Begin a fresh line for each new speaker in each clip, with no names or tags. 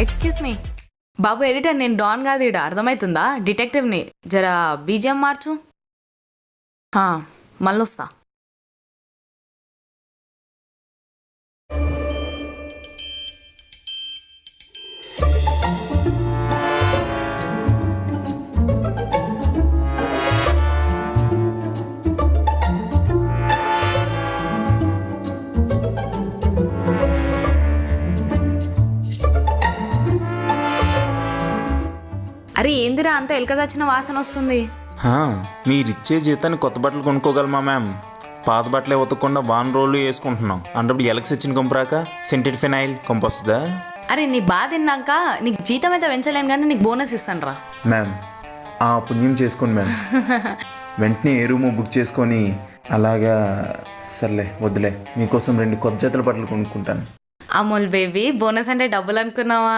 Excuse me బాబు editor, నేను don కాదు, ఇడ అర్థమవుతుందా? డిటెక్టివ్ని. జరా బీజిఎం మార్చు. మళ్ళీ వస్తా. అరే ఏందిరా అంత ఎలక చచ్చిన వాసన వస్తుంది?
మీరిచ్చే జీతాన్ని కొత్త బట్టలు కొనుక్కోగలమా మ్యామ్? పాత బట్టలే ఉతకకుండా వాన్ రోళ్ళు వేసుకుంటున్నాం. అంటే ఎలక్స్ వచ్చిన కొంపరాక సెంటెడ్ ఫినైల్ కొంపొస్తుందా?
అరే నీ బాధ తిన్నాక నీకు జీతం అయితే పెంచలేను కానీ నీకు బోనస్ ఇస్తాను రా.
మ్యామ్ ఆ పుణ్యం చేసుకోండి మ్యామ్. వెంటనే ఏ రూమో బుక్ చేసుకొని అలాగా. సర్లే వద్దులే, మీకోసం 2 కొత్త జతల బట్టలు కొనుక్కుంటాను.
అమూల్ బేబీ, బోనస్ అంటే డబ్బులు అనుకున్నావా?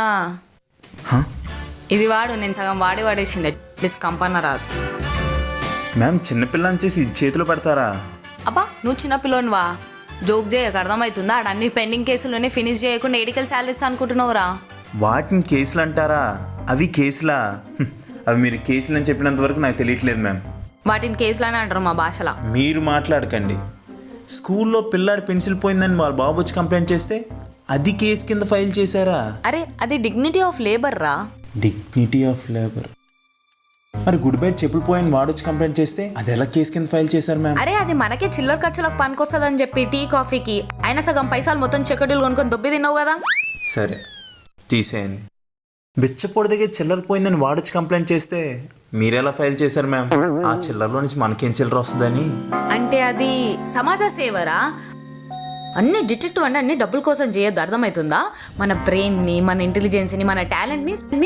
ఇది వాడు, నేను సగం వాడేసింది. ప్లీజ్ కంపన్న రాదు.
మ్యామ్ చిన్నపిల్లని చేసి చేతిలో పెడతారా?
అబ్బా నువ్వు చిన్నపిల్లోనివా? జోక్ చేయక, అర్థమవుతుందా? అన్ని పెండింగ్ కేసులోనే ఫినిష్ చేయకుండా ఎడికల్ శాలరీస్ అనుకుంటున్నావురా.
వాటిని కేసులు అంటారా? అవి కేసులా? అవి మీరు కేసులు అని చెప్పినంత వరకు నాకు తెలియట్లేదు మ్యామ్.
వాటిని కేసులని అంటారు మా భాషలో.
మీరు మాట్లాడకండి. స్కూల్లో పిల్లాడి పెన్సిల్ పోయిందని వాళ్ళ బాబు వచ్చి కంప్లైంట్ చేస్తే అది కేసు కింద ఫైల్ చేశారా?
అరే అది డిగ్నిటీ ఆఫ్ లేబర్ రా.
Dignity of labour. మరి గుడ్ బైట్ చెప్పులు పోయిన వాడొచ్చి కంప్లైంట్ చేస్తే అది ఎలా కేసు కింద ఫైల్ చేశారు మ్యామ్?
అరే అది మనకే చిల్లర ఖర్చులకు పనికొస్తుందని చెప్పి టీ కాఫీకి అయినా సగం పైసలు మొత్తం చెక్కడీలు కొనుక్కొని దొబ్బి తిన్నావు కదా.
సరే తీసేయండి. బిచ్చపొడి దగ్గర చిల్లర పోయిందని వాడొచ్చి కంప్లైంట్ చేస్తే మీరెలా ఫైల్ చేశారు మ్యామ్? ఆ చిల్లరలో నుంచి మనకేం చిల్లర వస్తుందని.
అంటే అది సమాజ సేవరా. అన్ని డిటెక్టివ్ అంటే అన్ని డబ్బుల కోసం చేయొద్దు, అర్థమవుతుందా? మన బ్రెయిన్ని, మన ఇంటెలిజెన్స్ని, మన టాలెంట్ని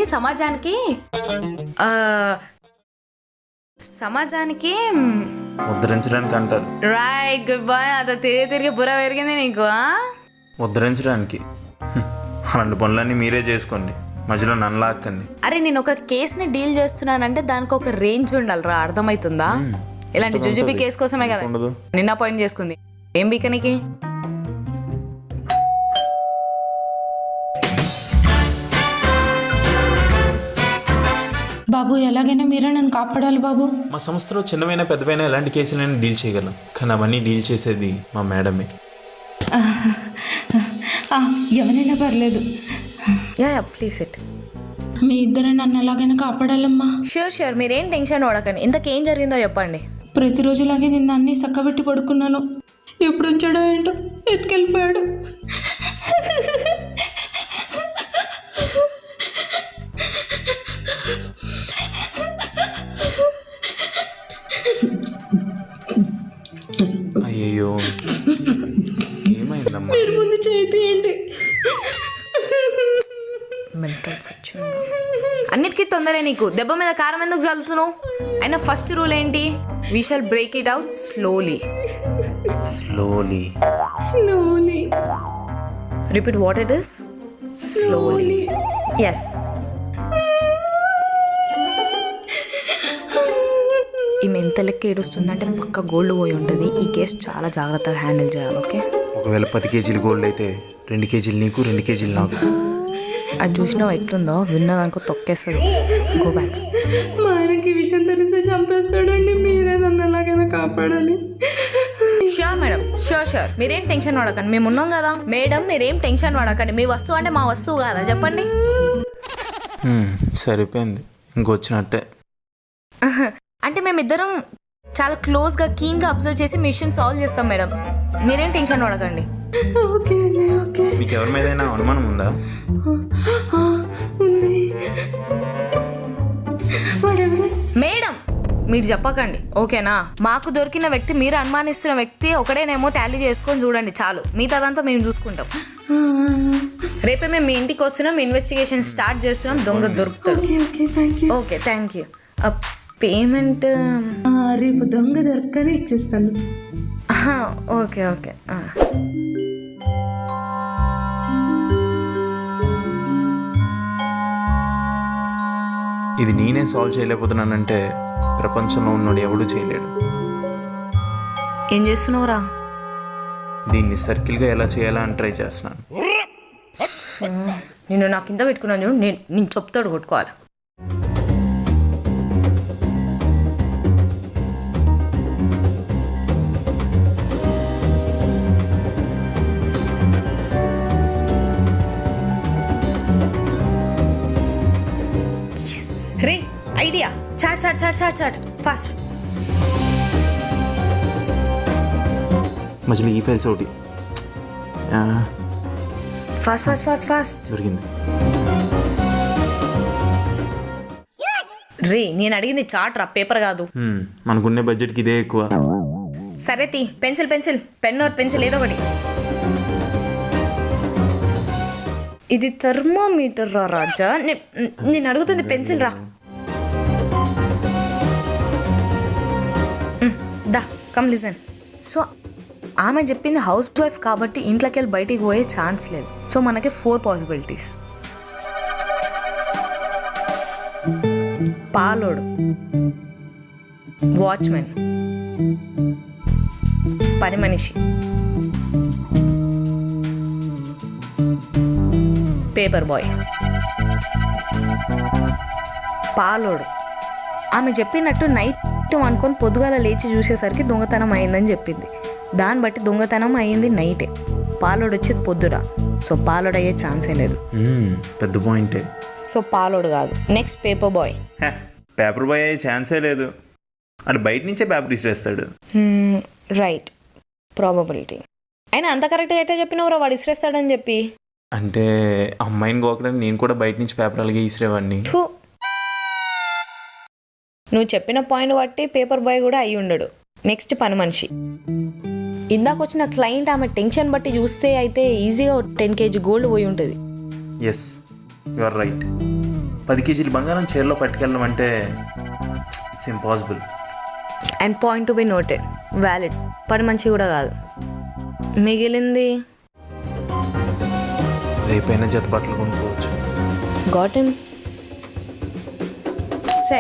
సమాజానికి
ఉద్ధరించడానికి అంటారు.
Right, good boy. అత తిరిగి బుర్ర పెరిగింది నీకు.
ఉద్ధరించడానికి అలాంటి పనులన్నీ మీరే చేసుకోండి, మధ్యలో నన్ను లాక్కండి.
అరే నేను ఒక కేసుని డీల్ చేస్తున్నానంటే దానికి ఒక రేంజ్ ఉండాలిరా, అర్థమవుతుందా? ఇలాంటి జుజుబీ కేసు కోసమే కదా నిన్న అపాయింట్ చేసుకుంది. ఏం బీకనికి?
బాబు ఎలాగైనా మీరే నన్ను కాపాడాలి బాబు.
మా సంస్థలో చిన్నవైనా పెద్దవైనా ఎలాంటి కేసులైనా డీల్ చేయగలం, కానీ అవన్నీ డీల్ చేసేది మా మేడమే.
ఎవరైనా పర్లేదు.
Please it.
మీ ఇద్దరు నన్ను ఎలాగైనా కాపాడాలమ్మా.
షూర్ మీరేం టెన్షన్ పడకండి. ఇంతకేం జరిగిందో చెప్పండి.
ప్రతిరోజులాగే నిన్న అన్నీ చక్కబెట్టి పడుకున్నాను. ఎప్పుడు ఉంచాడో ఏంటో ఎత్తుకెళ్ళిపోయాడు.
అయ్యో ఏమైందమ్మా?
మీరు ముందు చేయండి.
అన్నిటికీ తొందరే నీకు. దెబ్బ మీద కారం ఎందుకు చల్లుతున్నావు? అయినా ఫస్ట్ రూల్ ఏంటి? We shall break it out slowly.
Slowly.
Repeat what it is. Slowly. Yes. ఈమె ఎంత లెక్క ఏడుస్తుందంటే పక్క గోల్డ్ పోయి ఉంటుంది. ఈ కేసు చాలా జాగ్రత్తగా హ్యాండిల్ చేయాలి. ఓకే,
ఒకవేళ 10 కేజీలు గోల్డ్ అయితే 2 కేజీలు నీకు, 2 కేజీలు నాకు.
అది చూసినావు ఎట్లుందో? విన్నదానికో తొక్కేస్తుంది. Go back.
మా ఆయనకి విషయం తెలిస్తే చంపేస్తాడండి. మీరే నన్ను ఎలాగైనా కాపాడాలి.
Sure madam, sure. మీరేం టెన్షన్ పడకండి, మేము ఉన్నాం కదా. మేడం మీరేం టెన్షన్ పడకండి. మీ వస్తువు అంటే మా వస్తువు కాదా చెప్పండి.
సరిపోయింది, ఇంకొచ్చినట్టే.
అంటే మేమిద్దరం చాలా క్లోజ్గా కీన్గా అబ్జర్వ్ చేసి మిషన్ సాల్వ్ చేస్తాం మేడం. మీరేం టెన్షన్ పడకండి.
ఓకే అండి, ఓకే.
మీకు ఎవరి మీద అనుమానం ఉందా?
మేడం మీరు చెప్పకండి, ఓకేనా? మాకు దొరికిన వ్యక్తి, మీరు అనుమానిస్తున్న వ్యక్తి ఒకడేనేమో టాలీ చేసుకొని చూడండి చాలు. మిగతాదంతా మేము చూసుకుంటాం. రేపే మేము మీ ఇంటికి వస్తున్నాం, ఇన్వెస్టిగేషన్ స్టార్ట్ చేస్తున్నాం. దొంగ దొరుకుతాడు. Okay, thank you. పేమెంట్
రేపు దొంగ దొరకని ఇచ్చేస్తాను.
ఓకే.
ఇది నేనే సాల్వ్ చేయలేకపోతున్నానంటే ప్రపంచంలో ఉన్నోడు ఎవడూ చేయలేడు.
ఏం చేస్తున్నావురా?
దీన్ని సర్కిల్గా ఎలా చేయాలా అని ట్రై చేస్తున్నాను.
నేను నా కింద పెట్టుకున్నాను చూడు, నేను చెప్తాడు కొట్టుకోవాలి. రే idea, chat chat chat chat chat fast.
మధ్యలో ఈ ఫైల్స్ ఒకటి
ఫాస్ట్ ఫాస్ట్ ఫాస్ట్ ఫాస్ట్.
దొరికింది.
రే నేను అడిగింది చాట్ రా, పేపర్ కాదు.
మనకున్నే బడ్జెట్కి ఇదే ఎక్కువ.
సరే తీ, pencil pencil, pen or pencil ఏదో ఒకటి. ఇది థర్మోమీటర్ రా రాజా, నేను అడుగుతుంది పెన్సిల్ రా. దా కమ్ లిజన్. సో ఆమె చెప్పింది హౌస్ వైఫ్ కాబట్టి ఇంట్లోకి వెళ్ళి బయటికి పోయే ఛాన్స్ లేదు. సో మనకి 4 పాసిబిలిటీస్. పాలోడు, వాచ్మెన్, పని మనిషి, పేపర్ బాయ్. పాలోడు ఆమె చెప్పినట్టు నైట్ అనుకొని పొద్దుగాల లేచి చూసేసరికి దొంగతనం అయిందని చెప్పింది. దాన్ని బట్టి దొంగతనం అయ్యింది నైటే, పాలోడు వచ్చేది పొద్దురా. సో పాలోడు అయ్యే ఛాన్సే లేదు.
పెద్ద పాయింటే.
సో పాలోడు కాదు. Next paper boy.
Paper boy అయ్యే ఛాన్సే లేదు, అంటే బయట నుంచే పేపర్ ఇసిరేస్తాడు.
Right, probability. అయినా అంత కరెక్ట్గా అయితే చెప్పినవరా వాడు ఇసిరేస్తాడని చెప్పి.
అంటే అమ్మాయిని గోకడానికి నేను కూడా బయట నుంచి పేపర్ అలాగే ఇసిరేవాడిని.
నువ్వు చెప్పిన పాయింట్ బట్టి పేపర్ బాయ్ కూడా అయి ఉండడు. నెక్స్ట్ పని మనిషి. ఇందాక వచ్చిన క్లయింట్ ఆమె టెన్షన్ బట్టి చూస్తే అయితే ఈజీగా 10 kg గోల్డ్ పోయి ఉంటుంది.
Yes, you are right. 10 kg బంగారం చీరలో పట్టుకెళ్ళడం అంటే it's impossible.
And point to be noted, valid. పని మనిషి కూడా కాదు. మిగిలింది
రేపైనా జత బట్టలు కొనుక్కోవచ్చు.
Got him. సరే,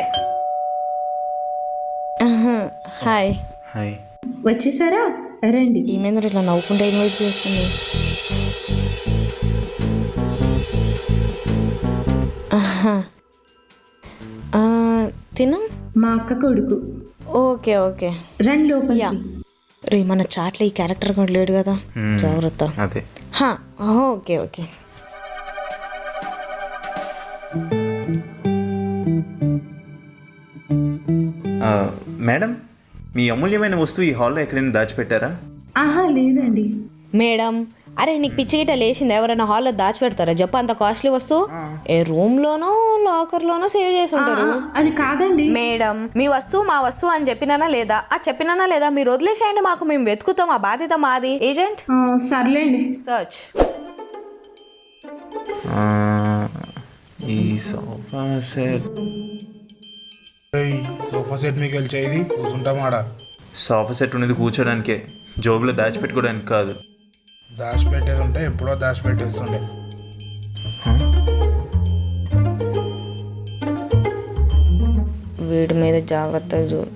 హాయ్.
హాయ్.
వచ్చేసారా? రండి.
ఏమైంది ఇట్లా నవ్వుకుంటే ఇన్వైట్ చేస్తుంది? తిను.
మా అక్క కొడుకు.
ఓకే ఓకే,
రండి లోపల.
రే మన చాట్లో ఈ క్యారెక్టర్ కూడా లేడు కదా, జాగ్రత్త.
అదే.
Okay okay.
మేడం, మీ అమూల్యమైన వస్తువు ఈ హాల్లో ఎక్కడైనా దాచిపెట్టారా?
ఆహా లేదండి.
మేడం, అరే నీకు పిచ్చి గిట్ట లేచింది? ఎవరైనా హాల్లో దాచిపెడతారా చెప్ప? అంత కాస్ట్లీ వస్తువు ఏ రూమ్లోనో లాకర్లోనో సేవ్ చేసి ఉంటారు.
అది కాదండి
మేడం. మీ వస్తువు మా వస్తువు అని చెప్పినానా లేదా? చెప్పినానా లేదా? మీరు వదిలేసేయండి, మాకు మేము వెతుకుతాం, ఆ బాధ్యత మాది. ఏజెంట్
సర్లేండి.
సర్చ్.
ఈ సోఫా సెట్.
సోఫా సెట్ మీకు వెళ్ళి కూర్చుంటాం ఆడ.
సోఫా సెట్ ఉన్నది కూర్చోడానికే, జోబులో దాచిపెట్టుకోవడానికి కాదు.
దాచిపెట్టేది ఉంటే ఎప్పుడో దాచిపెట్టేస్తుండే.
వీడి మీద జాగ్రత్తగా చూడు.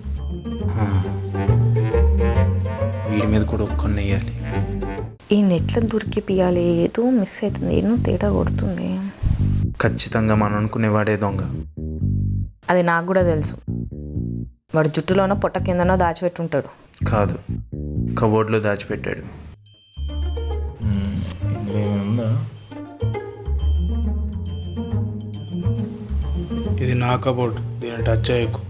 వీడి మీద కూడా ఒక్కని వేయాలి.
ఈ నెట్లో దొరికిపియాలి. ఏదో మిస్ అవుతుంది, ఏదో తేడా కొడుతుంది.
ఖచ్చితంగా మనం అనుకునేవాడే దొంగ.
అది నాకు కూడా తెలుసు. వాడు జుట్టులోనో పొట్ట కిందనో దాచిపెట్టుంటాడు.
కాదు, కబోర్డ్లో దాచిపెట్టాడు.
ఇది నా కబోర్డ్, దీన్ని టచ్ చేయకు.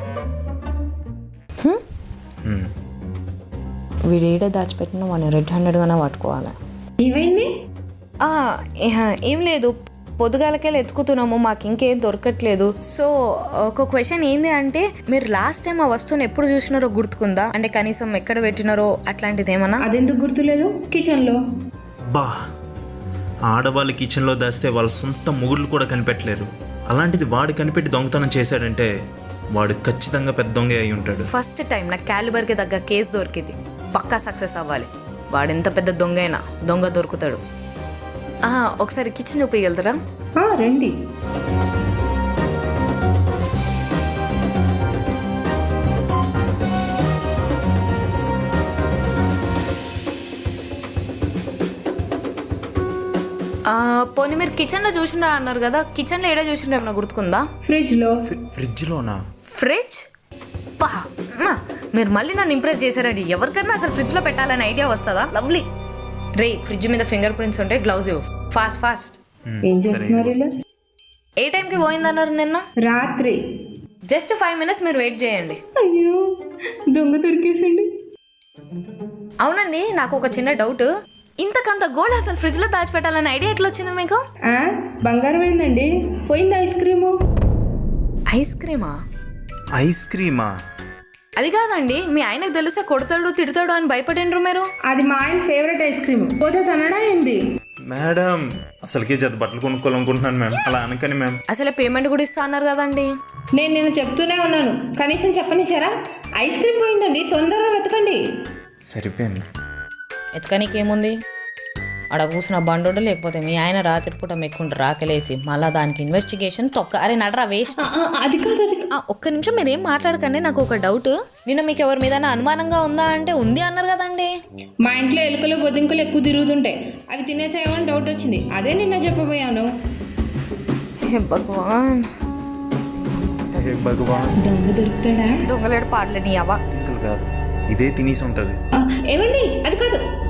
వీడు ఏడో దాచిపెట్టినా వాడిని రెడ్ హ్యాండెడ్గానే పట్టుకోవాలి.
ఏమైంది?
ఏం లేదు, పొద్దుగాలకెళ్ళి ఎత్తుకుతున్నాము, మాకు ఇంకేం దొరకట్లేదు. సో ఒక క్వశ్చన్ ఏంది అంటే, మీరు లాస్ట్ టైం ఆ వస్తువుని ఎప్పుడు చూసినారో గుర్తుకుందా? అంటే కనీసం ఎక్కడ పెట్టినారో అట్లాంటిది ఏమన్నా?
అదెందుకు గుర్తులేదు? కిచెన్లో.
బా, ఆడవాళ్ళు కిచెన్లో దాస్తే వాళ్ళ సొంత మొగుళ్ళు కూడా కనిపెట్టలేరు. అలాంటిది వాడు కనిపెట్టి దొంగతనం చేశాడంటే వాడు ఖచ్చితంగా పెద్ద దొంగ అయి ఉంటాడు.
ఫస్ట్ టైం నా క్యాలిబర్కి తగ్గ కేసు దొరికింది. పక్కా సక్సెస్ అవ్వాలి. వాడు ఎంత పెద్ద దొంగ అయినా దొంగ దొరుకుతాడు. ఒకసారి కిచెన్ చూపించగలుగుతారా?
రండి.
పోనీ మీరు కిచెన్లో చూసినా అన్నారు కదా, కిచెన్లో ఏడా చూసినా ఏమన్నా గుర్తుకుందా?
ఫ్రిడ్జ్లో.
ఫ్రిడ్జ్లోనా?
ఫ్రిడ్జ్ పా మీరు మళ్ళీ నన్ను ఇంప్రెస్ చేశారండి. ఎవరికన్నా అసలు ఫ్రిడ్జ్లో పెట్టాలని ఐడియా వస్తుందా? లవ్లీ. రే ఫ్రిడ్జ్ మీద ఫింగర్ ప్రింట్స్ ఉంటే గ్లౌజ్ ఇవ్వు ఫాస్ట్ ఫాస్ట్.
ఏం చేస్తున్నారు ఇలా?
ఏ టైంకి పోయిందన్నారు నిన్న?
రాత్రి.
జస్ట్ 5 minutes మీరు వెయిట్ చేయండి.
అయ్యో దొంగ దొరికేసిండు.
అవునండి, నాకు ఒక చిన్న డౌట్. ఇంతకంత గోల్డ్ అసలు ఫ్రిడ్జ్లో దాచిపెట్టాలని ఐడియా ఎట్లా వచ్చింది మీకు?
బంగారం ఏందండి, పోయింది ఐస్ క్రీము.
ఐస్ క్రీమా?
ఐస్ క్రీమా?
అది కాదండి, మీ ఆయనకు తెలిస్తే కొడతాడు తిడతాడు అని భయపడిండ్రు మీరు.
అది మా ఆయన ఫేవరెట్ ఐస్ క్రీమ్. పోతే తనడా ఏంది?
మేడం అసలుకే జత బట్టలు కొనుక్కోవాలనుకుంటున్నాను మ్యామ్, అలా అనకని మ్యామ్.
అసలు పేమెంట్ కూడా ఇస్తా అన్నారు కదండి.
నేను చెప్తూనే ఉన్నాను, కనీసం చెప్పనిచ్చారా? ఐస్ క్రీమ్ పోయిందండి, తొందరగా వెతకండి.
సరిపోయింది.
ఎతకనీకేముంది, అక్కడ కూసిన బండోడు లేకపోతే మీ ఆయన రాత్రిపూట మెక్కుంటారు రాకలేసి, మళ్ళీ దానికి ఇన్వెస్టిగేషన్ తొక్క. అరే నడరా వేస్ట్.
అది కాదు అది.
ఒక్క నిమిషం మీరేం మాట్లాడకండి, నాకు ఒక డౌట్. నిన్న మీకు ఎవరి మీద అనుమానంగా ఉందా అంటే ఉంది అన్నారు కదండి.
మా ఇంట్లో ఎలుకలు బొద్దింకలు ఎక్కువ తిరుగుతుంటాయి, అవి తినేసాయేమని డౌట్ వచ్చింది, అదే నిన్న చెప్పబోయాను.
భగవాన్,
భగవాన్
దొంగ దొరుకుతాడా?
దొంగలేడు పాటలేని అవ్వ.
కాదు, ఇదే తినేసి ఉంటుంది.
ఏమండి అది కాదు,